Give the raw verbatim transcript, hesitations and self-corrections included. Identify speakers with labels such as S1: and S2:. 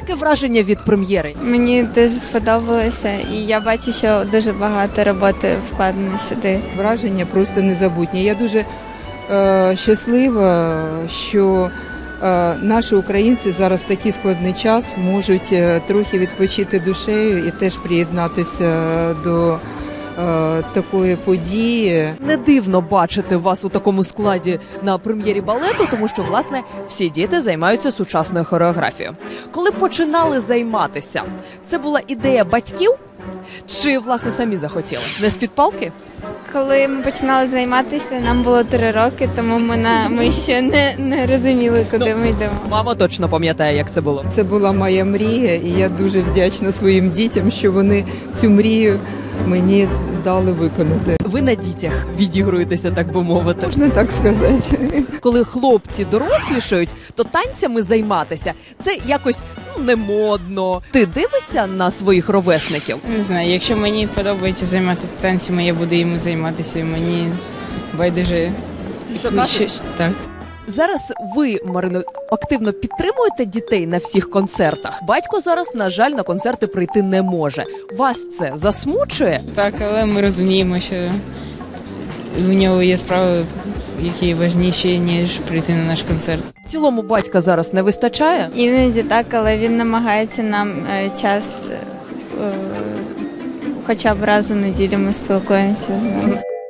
S1: Яке враження від прем'єри?
S2: Мені дуже сподобалося, і я бачу, що дуже багато роботи вкладено сюди.
S3: Враження просто незабутні. Я дуже е, щаслива, що е, наші українці зараз в такий складний час можуть е, трохи відпочити душею і теж приєднатися до е, такої події.
S1: Не дивно бачити вас у такому складі на прем'єрі балету, тому що, власне, всі діти займаються сучасною хореографією. Коли починали займатися, це була ідея батьків чи, власне, самі захотіли? Не з-під палки?
S2: Коли ми починали займатися, нам було три роки, тому ми, на, ми ще не, не розуміли, куди
S1: Ну,
S2: ми йдемо.
S1: Мама точно пам'ятає, як це було.
S3: Це була моя мрія, і я дуже вдячна своїм дітям, що вони цю мрію мені дали виконати.
S1: Ви на дітях відігруєтеся, так би мовити.
S3: Можна так сказати.
S1: Коли хлопці дорослішають, то танцями займатися – це якось ну, не модно. Ти дивишся на своїх ровесників?
S4: Не знаю, якщо мені подобається займатися танцями, я буду їм займатися, мені байдуже. Що, так.
S1: Зараз ви, Марино, активно підтримуєте дітей на всіх концертах. Батько зараз, на жаль, на концерти прийти не може. Вас це засмучує?
S4: Так, але ми розуміємо, що у нього є справи, які важніші, ніж прийти на наш концерт.
S1: В цілому батька зараз не вистачає?
S2: Іноді так, але він намагається нам е, час, е, хоча б раз у неділю ми спілкуємося з ним.